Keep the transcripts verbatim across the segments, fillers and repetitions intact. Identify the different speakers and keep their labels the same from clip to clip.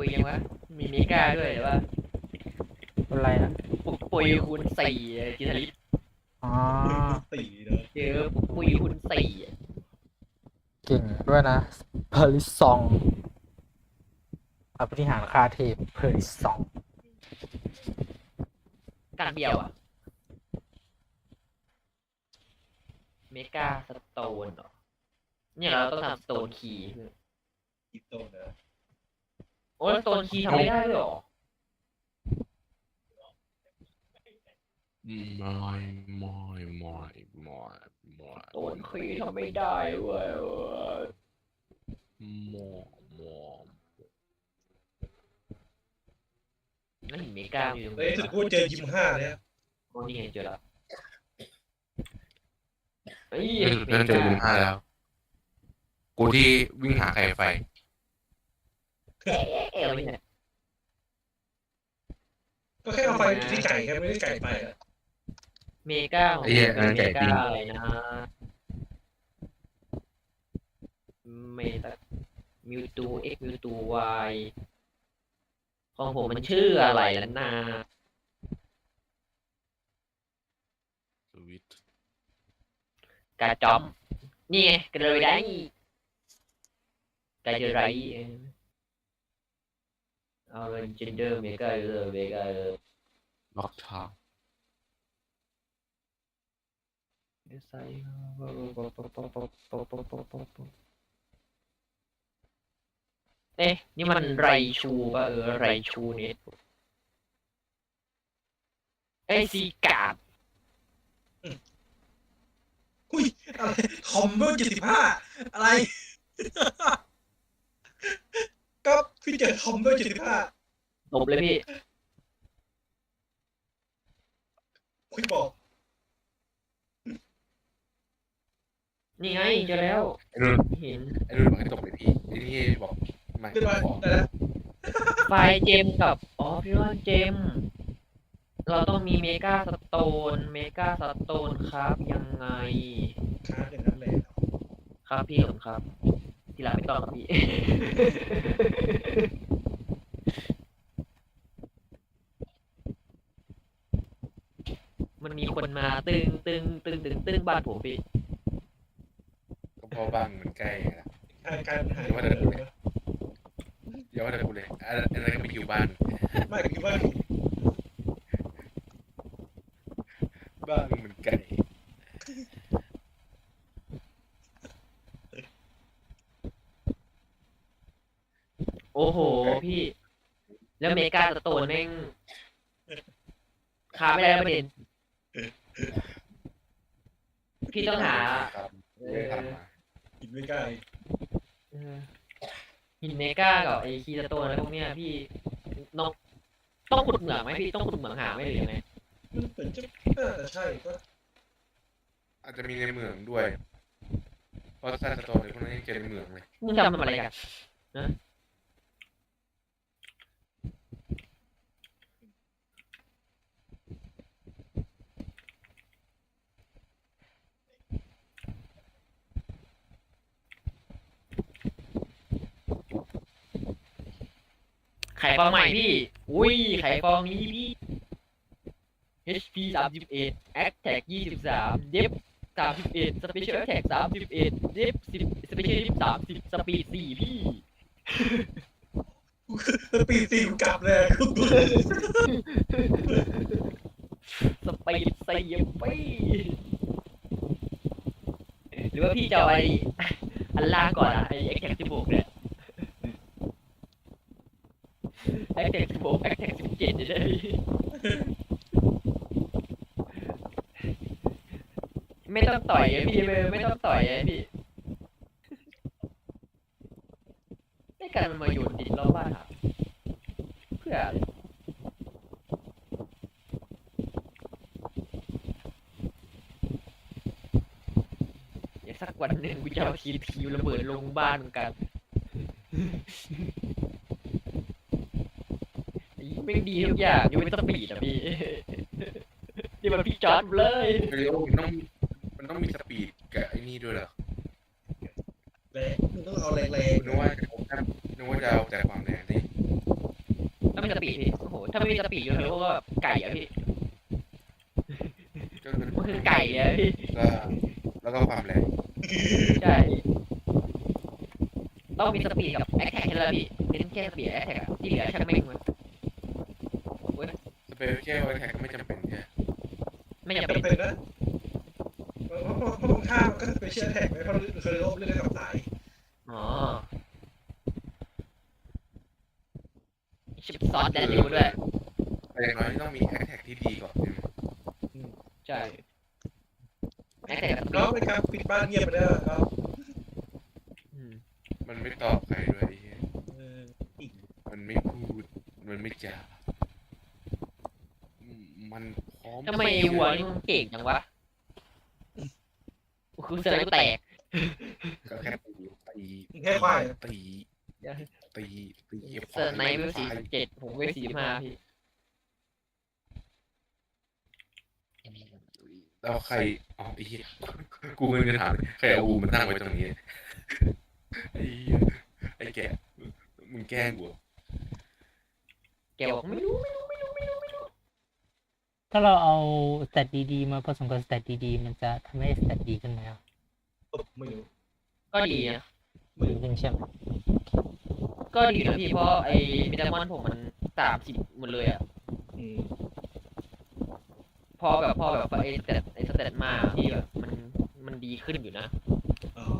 Speaker 1: ยยังวะมีเมกาด้วยหรือว่า
Speaker 2: อะไรอ่ะ
Speaker 1: ปุกปุยคูณสี่จิตลิต
Speaker 2: อ๋อ
Speaker 3: สี่เนาะ
Speaker 1: เจอปุกปุยคูณสี่
Speaker 2: เก่งด้วยนะเพอริซองอภินิหารคาเทพเพอริซอง
Speaker 1: กันเดียวอ่ะเมกาสโตนเหรอเนี่ยเราต้องทำสโตนคีย์
Speaker 3: อีโตเนอะ
Speaker 1: โอ้ยสโตนคีย์ทำไม่ได้ด้วยเหรอ
Speaker 4: ไม่ไม่ไม่ไม่ไม่
Speaker 1: สโตนคีย์ทำไม่ได้เว้ย
Speaker 4: หมอหมอ
Speaker 1: นั่นเมกาอยู่ตรงไห
Speaker 3: เฮ้ย
Speaker 1: น
Speaker 3: ถึงกูเจอยิมห้าเนี่ย
Speaker 1: โอ้นี่ไงเจอแล้วเฮ้ย
Speaker 4: เล่นเจอยิมห้าแล้ว กูที่วิ่งหาไข่ไฟ
Speaker 1: เอ๊ะเอ๊ะเนี่ย
Speaker 3: ก็แค่เอาไฟจุดที่ไก่แค่ไม่ได้ไก่ไปอะ
Speaker 1: เมกาของ
Speaker 4: ไอ้เหี้ย
Speaker 1: เป็น
Speaker 4: ไก่
Speaker 1: เม
Speaker 4: ปิ้
Speaker 1: กาง อะไรนะเมตามิวตูเอ็กมิวตูวายของผมมันชื่ออะไรแล้วนะ
Speaker 4: สวิต
Speaker 1: กาจอมนี่ไงกระเลยได้กาจะไรเอาเป็นเจนเดอร์เมกาเลยเมกาเลย
Speaker 4: ล็อกทาง
Speaker 1: เอ๊ะนี่มันไรชูป่ะเออไรชูเนี่ยไอซีกาด
Speaker 3: อุ้ยอะไรคอมเบอร์เจ็ดสิบห้าอะไร ก็พี่เจอคอมเบอร์เจ็ดสิบห้า
Speaker 1: ตบเลยพี่
Speaker 3: คุยบอก
Speaker 1: นี่ไงเจอแล้ว
Speaker 4: ไอ้นุ่น
Speaker 1: เห็น
Speaker 4: ไอ้นุ่นบอกให้ตกเลยพี่ไอ้นี่บอกไม่
Speaker 3: เรียบร้อย
Speaker 4: บอก
Speaker 3: ได้แล้ว
Speaker 1: ไฟล์เจมกับอ๋อพี่ว่าเจม เราต้องมีเมกาสโตนเมกาสโตนครับยังไง
Speaker 3: ค้าอย่างนั้นเลย
Speaker 1: ครับพี่ผมครับ ทีหลังไม่ต้องครับพี่ มันมีคนมาตึงตึงตึงตึงตึงบ้านผมพี่
Speaker 4: ก็เพราะบ้านมันใกล้ไงล่ะ
Speaker 3: การการหา
Speaker 4: เดี๋ยวว่าแต่กูเลย เดี๋ยวว่าแต่กูเลยอะไรอะไรก็ไปอยู่บ้าน
Speaker 3: ไม่คือว่า
Speaker 4: บ้านมันไกล
Speaker 1: โอ้โหพี่ แล้วเมกาสโตนแม่งขาไม่ได้แล้วประเด็น พี่ต้องหา
Speaker 4: ครับไม่ได้ทำมา
Speaker 3: กินไม่ใกล้
Speaker 1: เออหินเมกากับไอคีสโตนอะไรพวกเนี้ยพี่น้องต้องขุดเหมืองไหมพี่ต้องขุดเหมืองหาไหมหรือยังไง
Speaker 3: มันเหมือนจะน่าจะใช่ก็
Speaker 4: อาจจะมีในเมืองด้วย เพราะซาสโตนในพวกนั้นยังเจอในเมืองเลย
Speaker 1: มึงทำอะไรกันนะไข่ฟองใหม่พี่ อุ้ยไข่ฟองนี้พี่ เอช พี สามสิบเอ็ด Attack ยี่สิบสาม Depth สามสิบเอ็ด Special Attack สามสิบเอ็ด Depth สิบ Special Depth สามสิบ Speed สี่พี่
Speaker 3: ปีตีกูกลับเลย
Speaker 1: สปีดสี่พี่หรือว่าพี่จะเอาไอ้อันล่างก่อนอะไอ้ Attack สิบหกเนี่ย Attack สิบหก Attack สิบเจ็ดจะได้ไม่ต้องต่อยอะพี่ไม่ไม่ต้องต่อยอะพี่ไม่การมันมาโยนดินรอบบ้านครับเพื่ออะไรเดี๋ยวสักวันหนึ่งกูจะเอาทีทีระเบิดลงบ้านเหมือนกันไม่ดีทุกอย่างยังไม่ต้องปีดอ่ะพี่นี่มันพี่จอร์ดเลย
Speaker 4: เรียวมันต้องมันต้องมีสปีดกับไอ้นี่ด้วยเหรอ
Speaker 3: แรงมึงต้องเอาแรง
Speaker 4: นึกว่าจะเอาแค่นึกว่าจะเอาแต่ความแรงที่
Speaker 1: มีสปีดพี่โอ้โหถ้าไม่มีสปีดอยู่แล้วก็แบบไก่อะพี่
Speaker 4: ก็คือ
Speaker 1: มันคือไก่เลยอะพี่
Speaker 4: ก็แล้วก็ความแรง
Speaker 1: ใช่ต้องมีสปีดกับแอคแท็กแค่นั้นแหละพี่เน้นแค่สปีดแอคแท็กที่เหลือช่างแม่งมัน
Speaker 4: สเปเชียลแท็กก็ไม่จำเป็นใช่ไหม
Speaker 1: ไม่จำ
Speaker 3: เป็
Speaker 1: เป็น น
Speaker 3: เป็นนะเพราะเพราะเพราะตรงข้ามมันก็ไปเชียร์แท็กไว้เพราะเคยลบเรื่องกับสาย
Speaker 1: อ๋อชิปซอสแดนดิวด้วย
Speaker 4: แต่อย่างน้อยต้องมีแท็กที่ดีก่อนใช่ไหม
Speaker 1: ใช่แอคแท็กกับสปี
Speaker 3: น้อง
Speaker 1: ด
Speaker 3: เป็นการปิดบ้านเงียบไปแล้วครับ
Speaker 1: อืม
Speaker 4: มันไม่ตอบใครด้วยไอ้เหี้ย
Speaker 3: เอออีก
Speaker 4: มันไม่พูดมันไม่จาอืมมันพร้อม
Speaker 1: ทำไมไอ้วัวนี่มันเก่งจังวะคือเสือกูแตก
Speaker 4: ก็แค่ตีตี
Speaker 3: แค่ควาย
Speaker 4: ตีตีตี
Speaker 1: เสือในเวลสี่สิบเจ็ดผมเวลสี่สิบห้าพี่
Speaker 4: แล้วใครอ๋อไอ้เหี้ยกูไม่ได้ถามใครเอาอูมันตั้งไว้ตรงนี้ไอ้เหี้ยไอ้แกมึงแกล้งกู
Speaker 1: แกบอกไม่รู้ไม่รู้ไม่รู้ไม่รู้ไม่รู้
Speaker 2: ถ้าเราเอาสเตตดีๆมาผสมกับสเตตดีๆมันจะทำให้สเตตดีขึ้นไหมครับ
Speaker 3: ไม่รู้
Speaker 1: ก็ดีนะ
Speaker 2: ดีขึ้นใช่ไหม
Speaker 1: ก็ดีนะพี่เพราะไอ้มิดามอนผมมันสามสิบหมดเลยอ่ะ
Speaker 3: อืม
Speaker 1: พอแบบพอแบบไอ้สเตตไอ้สเตตมาที่แบบมันมันดีขึ้นอยู่นะ
Speaker 3: อ๋อ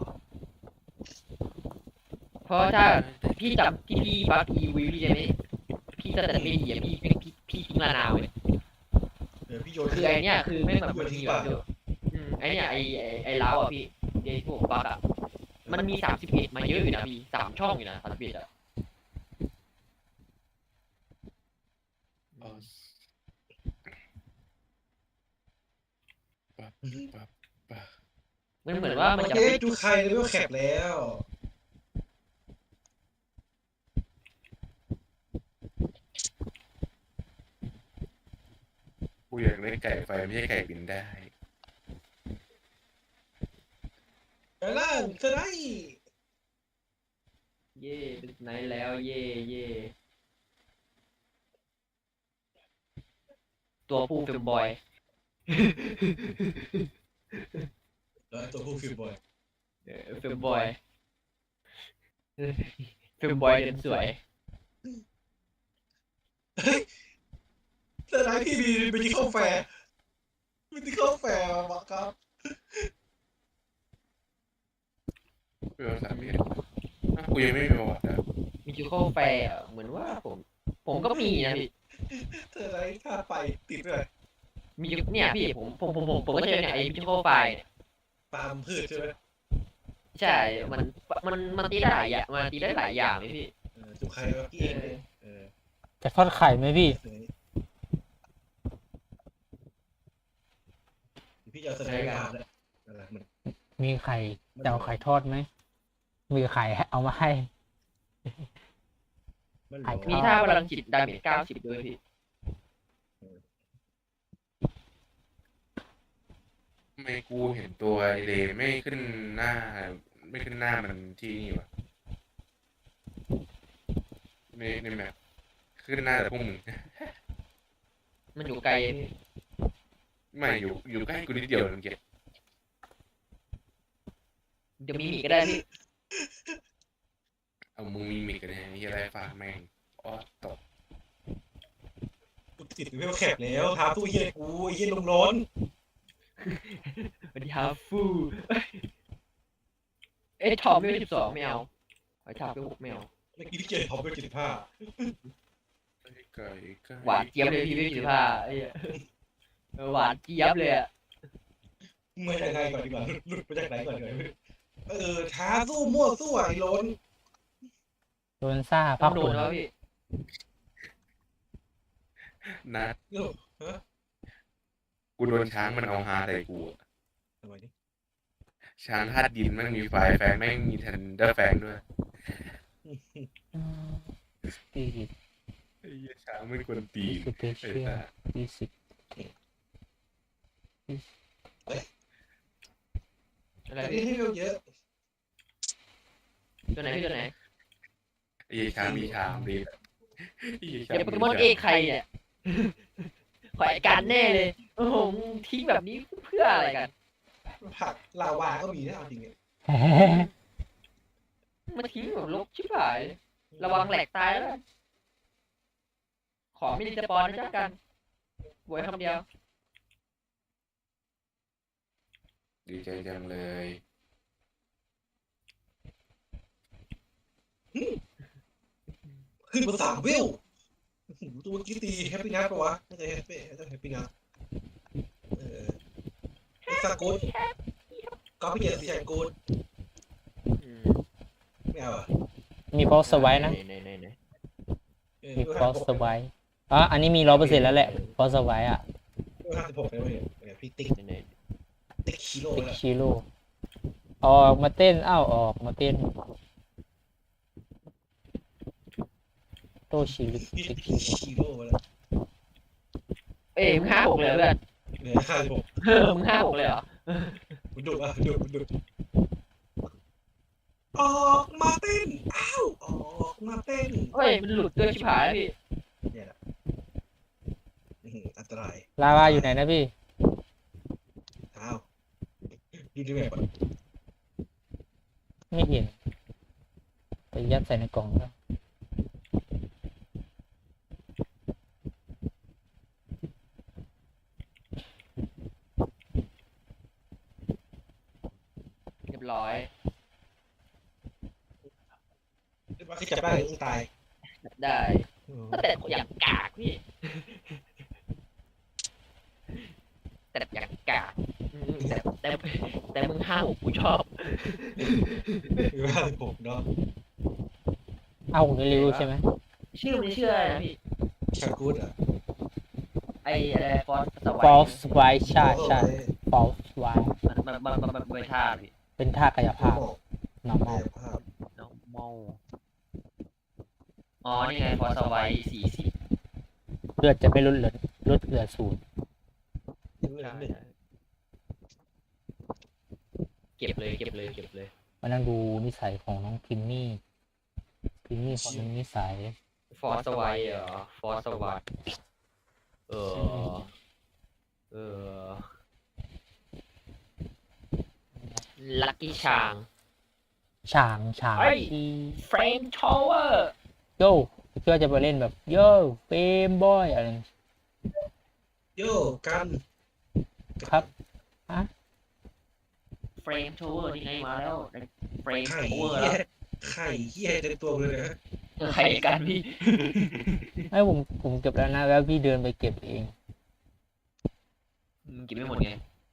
Speaker 1: เพราะถ้าพี่จำที่พี่บักอีวิวพี่ใช่ไหมพี่สเตตไม่ดีอ่ะพี่พี่พี่พี่ทิ้งลานาวเลย
Speaker 3: เดี๋ยวพี่โยน
Speaker 1: คือไอ้เนี้ยคือไม่แบบมันมีแบบเดียวอืมไอ้เนี้ยไอ้ไอ้ไอ้ล้าวอ่ะพี่ไอ้พวกบักอ่ะมันมีสามสิบเอ็ดมาเยอะอยู่นะพี่สามช่องอยู่นะสามสิบเอ็ดอ่ะ
Speaker 4: เออปั๊บปั๊บปั๊บ
Speaker 1: มันเหมือนว่ามันจะ
Speaker 3: เอ๊ะ
Speaker 1: ไม่
Speaker 3: ดูใครเลยว่าแคปแล้ว
Speaker 4: กูอยากได้ไก่ไฟไม่ใช่ไก่บินได้
Speaker 3: แต่ล่างสไลด์
Speaker 1: เย่เป็นไหนแล้วเย่เย่ตัวผู้เฟมบอย
Speaker 3: แล้วตัวผู้ฟิลบอย
Speaker 1: เออเฟมบอยเฟมบอยเดินสวย
Speaker 3: สไลด์พี่มีไปที่เข้าแฟร์ไปที่เข้าแฟร์มาครับ
Speaker 4: เพื่อสามเอ็ดอ่ะกูยังไม่มีประวัติอ่ะ
Speaker 1: มีจูโคแฟร์อะเหมือนว่าผม ผมก็มีนะพี่
Speaker 3: สไลด์ท่าไปติดเลย
Speaker 1: มีจูเนี่ยพี่ผมผมผมผมผมก็เจอเนี่ยไอ้จูโคไฟเนี่ย
Speaker 3: ตามพืชใช่ไหม
Speaker 1: ใช่ มันมันมันตีได้หลายอย่างมันตีได้หลายอย่างเลยพี่
Speaker 3: เออจุกใครวะพี่เองเลยเออ
Speaker 2: จะทอดไข่ไหมพี่
Speaker 3: เสยพี่จะเอาสไลด์มาเลยอะไรมัน
Speaker 2: มีไข่จะเอาไข่ทอดไหมมีไข่เอามาให้
Speaker 3: มัน
Speaker 2: ไข่
Speaker 1: มีท่าพลังจิตดาเมจเก้าสิบด้วยพี่
Speaker 4: ทำไมกูเห็นตัวไอเลไม่ขึ้นหน้า ไม่ขึ้นหน้ามันที่นี่วะในในแมปขึ้นหน้าแต่พวกมึง
Speaker 1: มันอยู่ไกลพี่
Speaker 4: ไม่อยู่อยู่ใกล้กูนิดเดียวนึงเก็บ
Speaker 1: เดี๋ยวมีหมีก็ได้พี่
Speaker 4: เอามึงมีมิกกันเนี่ยไอ้เหี้ยอะไรฝากแม่งอ๋อตก
Speaker 3: กูติดเวลแคปแล้วท้าตู้เฮียกูไอ้เฮียลงร้อน
Speaker 1: สวัสดีครับฟูเอ้ยทอมไม่สิบสองไม่เอาไอ้ทาไปหกไม่เอา
Speaker 3: เมื่อกี้ที่เจอท็อปเวลเจ็ดสิบห้า
Speaker 4: ไก่ไก่ไก่
Speaker 1: หวานเจี๊ยบเลยพี่ไม่สิบห้าไอ้เหี้ยเออหวานเจี๊ยบเลยอะ
Speaker 3: มาจากไหนก่อนดีกว่าหลุดหลุดมาจากไหนก่อนดีกว่าเออท้าสู้มั่วสู้ไอ้ล้น
Speaker 2: โดนซ่า
Speaker 1: ต้
Speaker 2: พั
Speaker 1: อก งโด
Speaker 2: ฝุ่
Speaker 1: น
Speaker 2: น
Speaker 1: แล้วพี่
Speaker 4: นัด
Speaker 3: โอ้ฮะ
Speaker 4: กูโดนช้างมันเอาฮาใส่กูอะ
Speaker 3: ทำไมนี่
Speaker 4: ช้างธาตุดินแม่งมีไฟแฟงแม่งมีทันเดอร์แฟงด้วย
Speaker 2: อืมสี่สิบ
Speaker 4: ไอ้เหี้ยช้างไม่ควรตี
Speaker 2: สเป
Speaker 4: ไอ้
Speaker 2: เชียล
Speaker 4: ตา
Speaker 2: ยี่สิบ
Speaker 1: อะไร
Speaker 3: แต่
Speaker 1: พี่
Speaker 3: นี่ให้เวลเยอะ
Speaker 1: ตัวไหนพี่ตัวไหน
Speaker 4: ไอ้เหี้ยช้างมีชามดีไอ้เหี้ย
Speaker 1: เดี๋ยวโปเกมอนเอใครเนี่ย ขอไอการแน่เลย โอ้โหมึงทิ้งแบบนี้เพื่ออะไรกัน
Speaker 3: ผักลาวาก็มีนะเอาจริงเนี่ย
Speaker 1: มาทิ้งแบบลกชิบหาย ระวังแหลกตายแล้วกันขอไม่ดีสปอนนะจ๊ะกันบวยคำเดียว
Speaker 4: ดีใจจังเลย
Speaker 3: ขึ้นมาสามเวลโอ้โหตัวเมื่อกี้ตีแฮปปี้นัทปะวะไม่ใช่แฮปปี้ต้องแฮปปี้นัทเออไอ้สกูดก็ไม่เกี่ยวกับสกูดไม่เอาอ่ะ
Speaker 2: มีฟอสไว้นะ
Speaker 1: ไหนไหนไหน
Speaker 3: เออ
Speaker 2: มีฟอสไว้อ๋ออันนี้มีร้อยเปอร์เซ็นต์แล้วแหละฟอสไว้อะ
Speaker 3: ห้าสิบหกเลยเว้ยเนี่ยพี่ติ๊ก
Speaker 1: ไหนไหน
Speaker 3: ติ๊กคิโล
Speaker 2: ติ๊ก
Speaker 3: แล้ว
Speaker 2: ชิโร่ออกมาเต้นอ้าวออกมาเต้นโตชิลิ
Speaker 3: พี่
Speaker 2: ติ๊ก
Speaker 3: ติ๊ก
Speaker 2: ชิโร่
Speaker 3: คิโลแล้ว
Speaker 1: เอ้ยมึงห้าหกเลยเหรอเพื่อน
Speaker 3: เนี่ยห้าสิบหก
Speaker 1: เออมึงห้าหกเลยเหรอ
Speaker 3: มันดุอ่ะดุมันดุออกมาเต้นอ้าวออกมาเต้น
Speaker 1: เฮ้ยมันหลุดด้วยชิบหายแล้วพี่
Speaker 3: เนี่ยแหละอื้อหืออันตราย
Speaker 2: ลาวาอยู่ไหนนะพี่
Speaker 3: อ้าวดูดิแม่ก่อน
Speaker 2: ไม่เห็นไปยัดใส่ในกล่องแล้ว
Speaker 1: เรียบร้อย
Speaker 3: เรียกว่าคือจับได้เลยต้องตาย
Speaker 1: ได้
Speaker 3: อืม
Speaker 1: แต่อย่างกากพี่ แต่อย่างกากอืมแต่แต่แต่มึงห้าหกกูชอบ
Speaker 3: คือห้าสิบหกเนาะ
Speaker 2: เอ้าในริวใช่ไหม
Speaker 1: ชื่อมันชื่ออะไรนะพี่
Speaker 3: ชากูดอ่ะ
Speaker 1: ไออะไรฟอสสว
Speaker 2: ฟอ
Speaker 1: าย
Speaker 2: สไว้ใช่ใช่ฟอสไว้
Speaker 1: มันมันมันมันมันเป็นท่าพี่
Speaker 2: เป็นท่ากายภาพ
Speaker 3: น้
Speaker 2: normal
Speaker 3: ภาพ
Speaker 1: น้องเมาอ๋อนี่ไงฟอสสวายสี่สิบ
Speaker 2: เลือดจะไม่ลดเหลือลดเหลือศูนย์
Speaker 3: ยังไม่หนึ่ง
Speaker 1: เก็บเลยเก็บเลยเก็บเลย
Speaker 2: มานั่งดูนิสัยของน้องพิมมี่พิมมี่เขามีนิสัย
Speaker 1: ฟอสสวายเหรอฟอสสวายเออเออลัคกี้ชาง
Speaker 2: ช่างช่าง
Speaker 1: เฮ้ย
Speaker 2: ที่
Speaker 1: เฟรมทาวเวอร์
Speaker 2: โย่เพื่อจะไปเล่นแบบโย่เฟมบอยอะไร
Speaker 3: โย่กัน
Speaker 2: ครับ
Speaker 1: เฟรมทาวเวอร์นี่ไงมาแล้วเฟรม
Speaker 3: ไข่
Speaker 1: ทาวเวอร์
Speaker 3: เหี้
Speaker 1: แล้
Speaker 3: ยว ไข่เหี้ยเต็มตัวเลยนะ
Speaker 1: เออใครกันพี่
Speaker 2: ให้ผมผมเก็บแล้วนะแล้วพี่เดินไปเก็บเอง
Speaker 1: มึงกินไม่หมดไง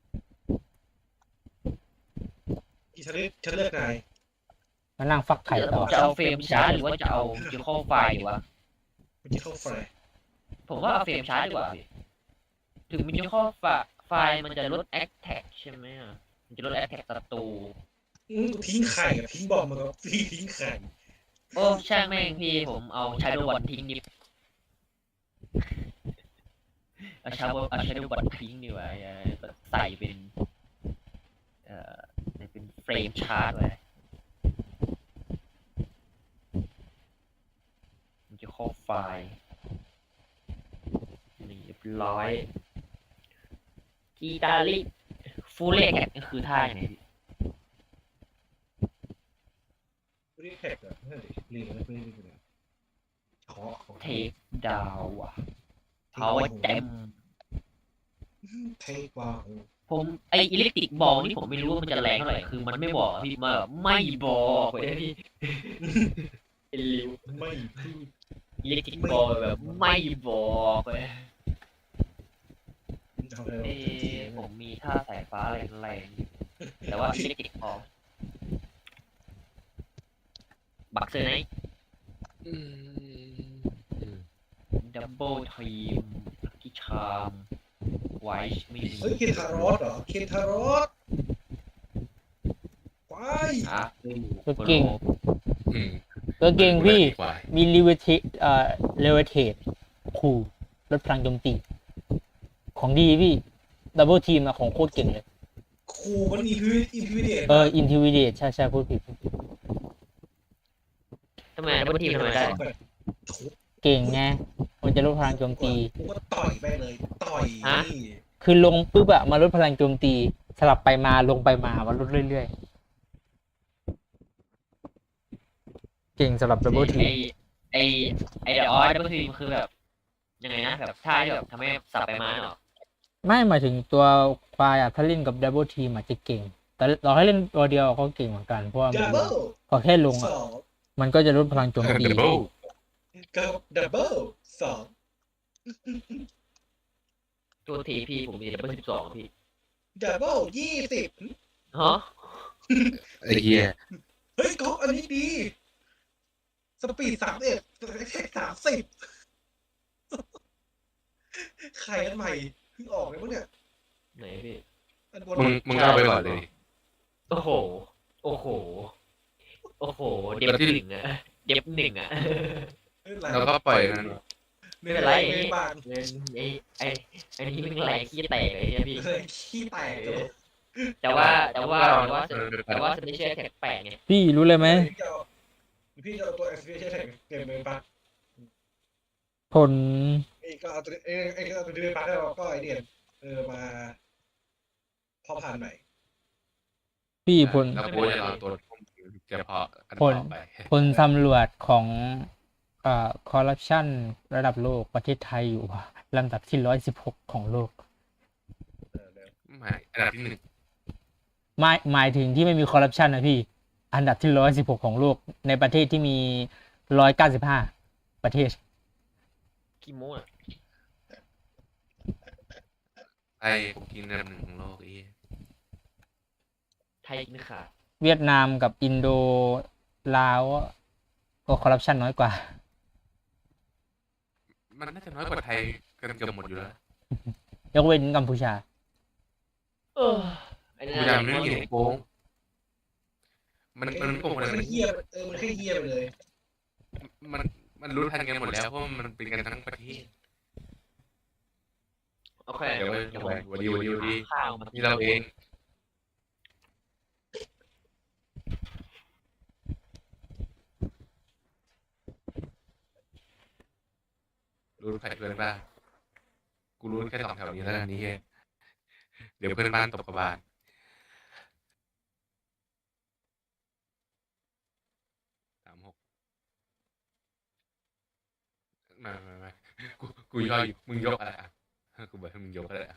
Speaker 3: อีฉันเลือกฉันเลือกนาย
Speaker 2: มานั่งฟักไข่
Speaker 1: เดี๋ยว
Speaker 2: ต่
Speaker 1: ผ
Speaker 2: อ
Speaker 1: มจะเอาเฟรมชาร์จหรือว่าจะเอาจะเข้าไฟล์ดีวะ
Speaker 3: มันจะเข้าไฟ
Speaker 1: ผมว่าเอาเฟรมชาร์จดีกว่าพี่ถึงมันจะเข้าไฟล์ไฟล์มันจะลดแอคแท็กใช่ไหมอะมันจะลดแอคแท็กศัตรู
Speaker 3: อื้อทิ้งไข่กับทิ้งบอมมาก็พี่ทิ้งไข่
Speaker 1: โอ้ช่างแม่งพี่ผมเอาชาโดว์บอลทิ้งดิเอาชาโดว์เอาชาโดว์บอลทิ้งดีกว่าอย่าใส่เป็นเอ่อเป็นเฟรมชาร์จไว้มันจะเข้าไฟล์นี่เรียบร้อยกีตาริฟูเล่แท็กก็คือท่าไหนพี่
Speaker 3: รีแท็กอ่ะนั่นดิรีบนะรีบนะขอขอ
Speaker 1: เทคดาวอ่ะเขาเต็ม
Speaker 3: เทคว่า
Speaker 1: ผมไออิเล็กทริกบอลนี่ผมไม่รู้ว่ามันจะแรงเท่าไหร่คือมันไม่บอกอะพี่มาแบบไม่บอกเลยพี่เป็นริว
Speaker 3: ไม่พูด
Speaker 1: อิเล็กทริกบอลแบบไม่บอกเลย
Speaker 3: ทำอะไร
Speaker 1: เอ้ผมมีท่าสายฟ้าแรงๆแต่ว่าอิเล็กทริกบอลบักเซอร์ไนท์
Speaker 4: อืม
Speaker 1: ดับเบิลทีมลักกี้ชามไวท์ไม่มี
Speaker 3: เฮ้ยเคนทารอสเหรอเคนทารอสไป
Speaker 1: อ่ะ
Speaker 2: ตัวเก่ง
Speaker 4: อืม
Speaker 2: ตัวเก่งพี่
Speaker 4: ควาย
Speaker 2: มีลิเวเทเอ่อเลเวเทตคูลลดพลังโจมตี ของดีพี่ดับเบิลทีมอะของโคตรเก่งเลย
Speaker 3: ครูมันอีพิวอินพิวเดต
Speaker 2: เอออินทิวิเดตใช่ใช่พูดผิด
Speaker 1: ทำไมดับเบิลทีมทำไมได้
Speaker 3: แบบทุบ
Speaker 2: เก่งไงมันจะลดพลังโจมตี
Speaker 3: กูก็ต่อยไปเลย ต่อยนี่
Speaker 2: คือลงปุ๊บอะมาลดพลังโจมตี สลับไปมาลงไปมามาลดเรื่อยๆ เก่งสำหรับดับเบิลที
Speaker 1: ไอไอไอเดออดับเบิลทีมันคือแบบยังไงนะแบบท่าที่แบบทำให้สับไปมาเหรอ
Speaker 2: ไม่หมายถึงตัวควายอะถ้าเล่นกับดับเบิลทีอาจจะเก่ง แต่เราให้เล่นตัวเดียวก็เก่งเหมือนกัน เพราะว่ามัน
Speaker 3: ดับเบิล
Speaker 2: พอแค่ลง
Speaker 3: ส
Speaker 2: อะ
Speaker 3: อง
Speaker 2: มันก็จะลดพลังโจมตี
Speaker 4: ดับเบิล
Speaker 3: กับดับเบิลสอง
Speaker 1: ตัวทีพี่ผมมีดับเบิลสิบสองพี่
Speaker 3: ดับเบิลยี่สิบ
Speaker 1: ฮะ
Speaker 4: ไอ้เหี้ย
Speaker 3: เฮ้ยก๊อฟอันนี้ดี สปีดสามเอ็ดแท็กสามสิบใครอันใหม่เพิ่งออกเลยมั้งเนี่ย
Speaker 1: ไหนพี่
Speaker 3: อันบน
Speaker 4: มึงมึงเอาไปก่อนเลย
Speaker 1: โอ้โห โอ้โห โอ้โห เด็บหนึ่งอะเด็บหนึ่งอะ
Speaker 4: แล้วก็ปล่อยมัน
Speaker 3: ไม่เป็นไรไม่บาง
Speaker 1: ไอ้ไอ้ไอ้นี่มันแรงขี้แตกเลยเนี่ยพี่
Speaker 3: เลยขี้แตกเลย
Speaker 1: แต่ว่าแต่ว่าแต่ว่าแต่ว่าสเปเชียลแท็กแปลกไง
Speaker 2: พี่รู้เลยไหม
Speaker 3: พี่จะเอาพี่จะเอาตัว เอส พี เอช แท็กเต็มเลยปะ
Speaker 2: ผล
Speaker 3: ไอ้ก็เอาตัวเอ้ไอ้ก็เอาตัวเดือนปะแล้วก็ไอเดียนเออมาพอผ่านใหม่
Speaker 2: พี่ผล
Speaker 4: แล้วกูจะรอตัวจะพอกัน
Speaker 2: ผล
Speaker 4: ต่อไป
Speaker 2: ผลสำรวจของเอ่อคอร์รัปชันระดับโลกประเทศไทยอยู่ลำดับที่ร้อยสิบหกของโลก
Speaker 3: เออเดี๋ยว
Speaker 4: ไม่อันดับที่หนึ่ง
Speaker 2: หมายหมายถึงที่ไม่มีคอร์รัปชันนะพี่ อันดับที่ร้อยสิบหกของโลก ในประเทศที่มีร้อยเก้าสิบห้าประเทศ
Speaker 1: ขี้โม้อะ
Speaker 4: ไอ้ผมกินอันดับหนึ่งของโลกไอ้เหี้ย
Speaker 1: ไทยกินขาด
Speaker 2: เวียดนามกับอินโดลาวก็คอร์รัปชันน้อยกว่า
Speaker 4: มันน่าจะน้อยกว่าไทยกันเกือบหมดอยู่แล้ว
Speaker 2: ยกเว้นกัมพูชา
Speaker 1: เออไอ้
Speaker 4: กู
Speaker 1: นั่น
Speaker 4: จำไม่ได้เห็นโกงมันมันไม่โกง
Speaker 3: มั
Speaker 4: อะไร
Speaker 3: น
Speaker 4: มัน
Speaker 3: แค่เฮียเออมันแค่เฮียไปเลย
Speaker 4: มันมันรู้ทันกันหมดแล้วเพราะมันเป็นกันทั้งประเทศ
Speaker 1: โอเค
Speaker 4: เดี๋ยวเว้ย
Speaker 1: เดี๋ยว
Speaker 4: วันดีวันดีวันดี
Speaker 1: ข้าวมา
Speaker 4: นี่เราเองรู้ใครเพื่อนบ้างกูรู้แค่สองแถวนี้แล้วกันนี่เฮ้ยเดี๋ยวเพื่อนบ้านตบกระบาลสามหกมามามากูกูย่อยมึงยกอะไรอ่ะกูบอกให้มึงยกอะไรอ่ะ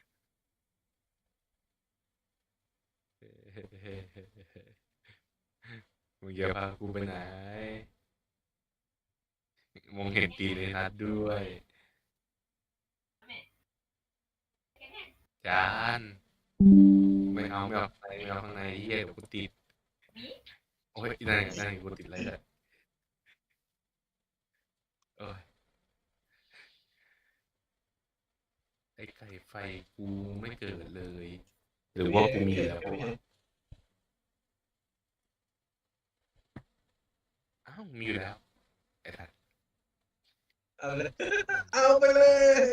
Speaker 4: มึงเยอะพากูไปไหนมองเห็นตีในนัดด้วยจานไม่เอาไม่เอาข้างในไม่เอาข้างในเหี้ยเดี๋ยวกูติดโอ้ยนั่นไงนั่นไงกูติดอะไรเลยเอ้ยไอ้ไก่ไฟกูไม่เกิดเลย หรือว่ากูมีแล้วเพราะว่าอ้าวมีอยู่แล้วไอ้ทัด
Speaker 3: เอาเลย เอาไปเลย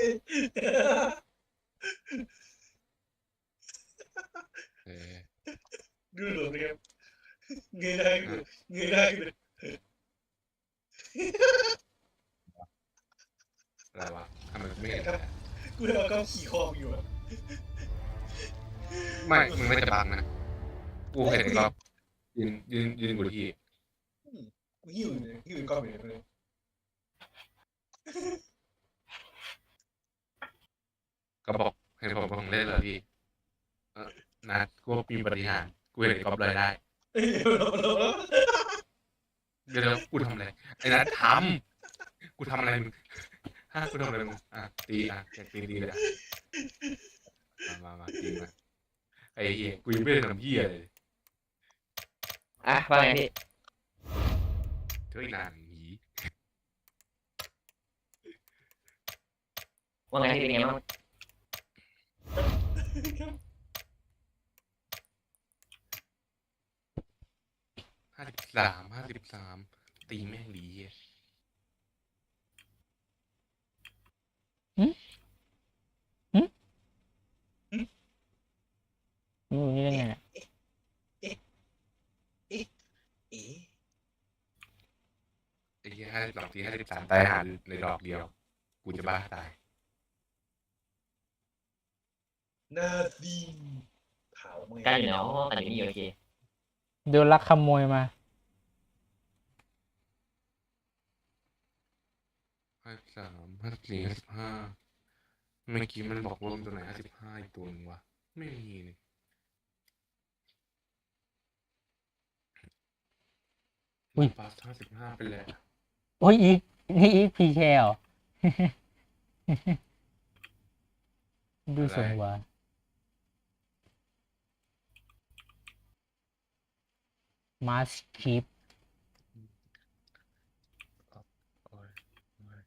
Speaker 4: เออ
Speaker 3: ดูหลวงนะครับเงยหน้าขึ้นเงยหน้าขึ้น
Speaker 4: อะไรวะทำไมไม่เห็นอะ
Speaker 3: กูเอากล้องขี่คอมอยู่อะ
Speaker 4: ไม่มึงไม่จะบังนะกูเห็นก็ยืนยืนยืนกูที่
Speaker 3: กูหิวอยู่เลยหิวกล้องอยู่เลย
Speaker 4: ก็บอกเห็นผมของเล่นเหรอพี่เออนะกูมีปฏิหารย์กูเห็นกอบเลยได้
Speaker 3: เอ้ยเดี๋ยวเดี๋ยวเดี๋ยว
Speaker 4: เดี๋ยวเดี๋ยวกูทำอะไรไอ้นัททำกูทำอะไรมึงฮะกูทำอะไรมึงอ่ะตีอ่ะอยากตีดีเลยอ่ะมามามาตีมาไอ้เหี้ยกูยังไม่ได้ทำเหี้ยเลย
Speaker 1: อ่ะว่าไงพี่
Speaker 4: เฮ้ยนานหนี
Speaker 1: ว่าไงพี่เป็นไงบ้าง
Speaker 4: ห้าสิบสามห้าสิบสามตีแม่งดีเหี้ย
Speaker 2: นี่นี่ได้ไงเนี่ย
Speaker 3: เอ๊ะ
Speaker 4: ไอ้เหี้ยห้าสิบสองทีห้าสิบสามตายหาในดอกเดียว กูจะบ้าตาย
Speaker 3: หน้าดีขาวไหม
Speaker 1: การอยู่ในห้องอันนี้โอเค
Speaker 2: โดนลักขโมยมา
Speaker 4: ห้าสิบสามห้าสิบสี่ห้าสิบห้าเมื่อกี้มันบอกว่ามันตัวไหนห้าสิบห้าอีกตัวหนึงวะ ไม่มีนี่
Speaker 2: อุ๊ย
Speaker 4: ปาสห้าสิบห้าไปแล้ว
Speaker 2: โอ้ยอีกนี่อีกพีแคล ดูสงว่า มาสคีป
Speaker 4: โอ้ยโอ้ย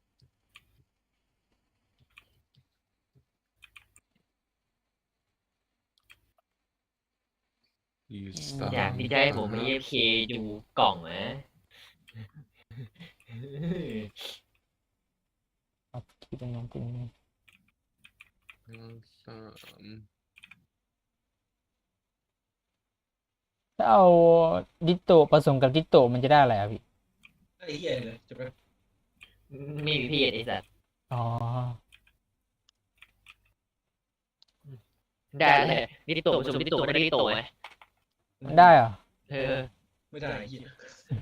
Speaker 4: ยูสตา
Speaker 1: อยากที่จะให้ผมมา เอ เอฟ เค ดูกล่องนะ
Speaker 2: มาสคีปเป็นน้องเป็น
Speaker 4: สาม
Speaker 2: ถ้าเอาดิโตผสมกับดิโตมันจะได้อะไรอ่ะพี่
Speaker 3: ไอ้เหี้ยเลยจะไป
Speaker 1: ไม่มีพี่ไอ้สัตว์
Speaker 2: อ๋อ
Speaker 1: ได้เลยดิโตผสมดิโตไม่ได้ดิโตไหม
Speaker 2: ได้เหรอ
Speaker 1: เออ
Speaker 3: ไม่ได้ไอ้เหี้ย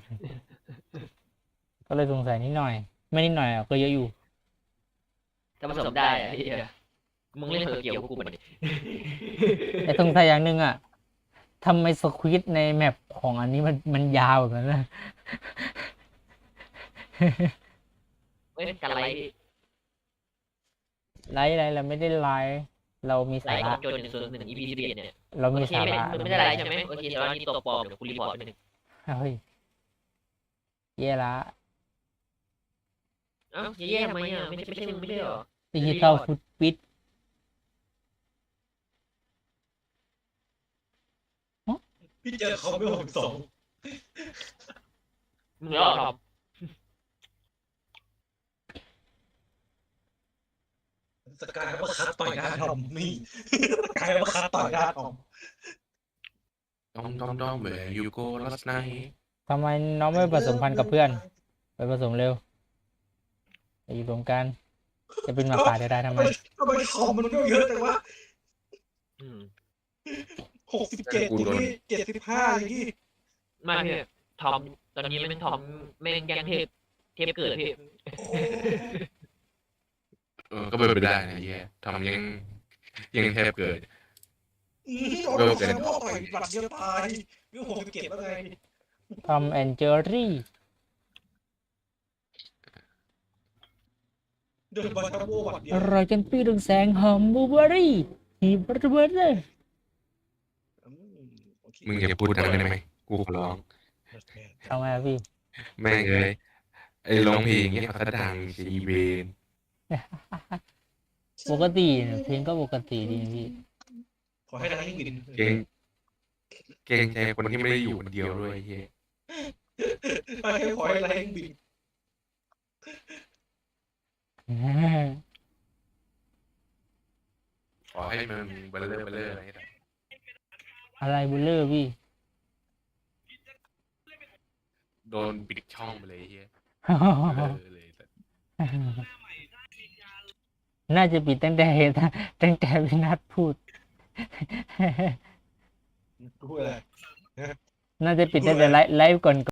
Speaker 2: ก็เลยสงสัยนิดหน่อย ไม่นิดหน่อยอ่ะก็เยอะอยู่
Speaker 1: ถ้าผสมได้อะไอ้เหี้ยมึงเล่นเถอะเกี่ยวกับกูมันดิ
Speaker 2: แต่สงสัยอย่างหนึ่งอ่ะทำไมสควิดในแมปของอันนี้มันมันยาวแบบนั้นนะ
Speaker 1: เฮ้ยการไลฟ์
Speaker 2: ไลฟ์อะไรเราไม่ได้ไลฟ์เรามี
Speaker 1: ไล
Speaker 2: สา
Speaker 1: ฟ์ข
Speaker 2: ระ
Speaker 1: องโจนหนึ่งส่วนหนึ่ง อี พี สิบเอ็ดเนี่ย
Speaker 2: เรา
Speaker 1: โอ
Speaker 2: มี
Speaker 1: เค
Speaker 2: สา
Speaker 1: ไม่
Speaker 2: ระ
Speaker 1: มึงไม่ได้ไลฟ์ใช่ไหมโอเคแต่ว่านี่ตัวปลอมเดี๋ยวกูรีพอร์ตไปหนึ่ง
Speaker 2: เฮ้ยเย่ละ
Speaker 1: เอ้าแย่ๆทำไมอ่ะไม่ใช่ไม่ใช่มึงไม่ใช่เหรอ
Speaker 2: ดิจิตอลฟุตปิด
Speaker 3: พี่เจอคอมไม่หกสอง
Speaker 1: มึงเหรอครับ
Speaker 3: สกายมาคัดต่อยหน้าทอมนี่สกายมาคัดต่อยหน้าทอม
Speaker 4: ดอมดอมดอม where you go last night
Speaker 2: ทำไมน้องไม่ผสมพันธุ์กับเพื่อน ไปผสมเร็วไปอยู่รวมกัน จะเป็นหมาป่าได้ได้ทำไม
Speaker 3: ทำไมคอมมันก็เยอะแต่ว่า
Speaker 1: อืม
Speaker 3: หกสิบเจ็ดอย่างนี้เจ็ดสิบห้าอย่างนี้
Speaker 1: ไมาพี่ทอมตอนนี้แม่งทอมแม่งแกงเทพเทพเกิดพี่
Speaker 4: เออ ก็เป็นไปได้นะเหี้ยทำยังยังแทบเกิด
Speaker 3: อืมโดนแซมว่าต่อยหลักเดียวตายวิวหกสิบเจ็ดแล้วไง
Speaker 2: ทอมแอนเจอรี่
Speaker 3: โดนบอลทับโบหวัดเดีย
Speaker 2: อ
Speaker 3: ว
Speaker 2: ร่อยจนปี้ดึงแสงหอมบลูเบอร์รี่ฮีบระเบิดเลย
Speaker 3: อืมโอเค
Speaker 4: มึงอย่าพูดอะไรได้ไหม กูขอร้อง
Speaker 2: ทำไมอะพี่
Speaker 4: แม่งเลย ไอ้ร้องเพลงเงี้ยเขาจะดังสีเวน
Speaker 2: ปกติเนี่ยเพลงก็ปกติดีนะพี่
Speaker 3: ขอให้นายวิน
Speaker 4: เก่งเก่งใจคนที่ไม่ได้อยู่คนเดียวด้วยไอ้เหี้ย
Speaker 3: ให้ขอให้นายวิน
Speaker 4: ขอให้มันเบลเลอร์เบลเลอร์อะไรแบบ
Speaker 2: อะไรบุลเลอร์พี่
Speaker 4: โดนปิดช่องไปเลยไอ้เหี้ยเบลอเลยแต่
Speaker 2: น่าจะปิดตั้งแต่ตั้งแต่วินัทพูด
Speaker 3: พูดอะไร
Speaker 2: น่าจะปิดตั้งแต่ไลฟ์ไลฟ์ก่อน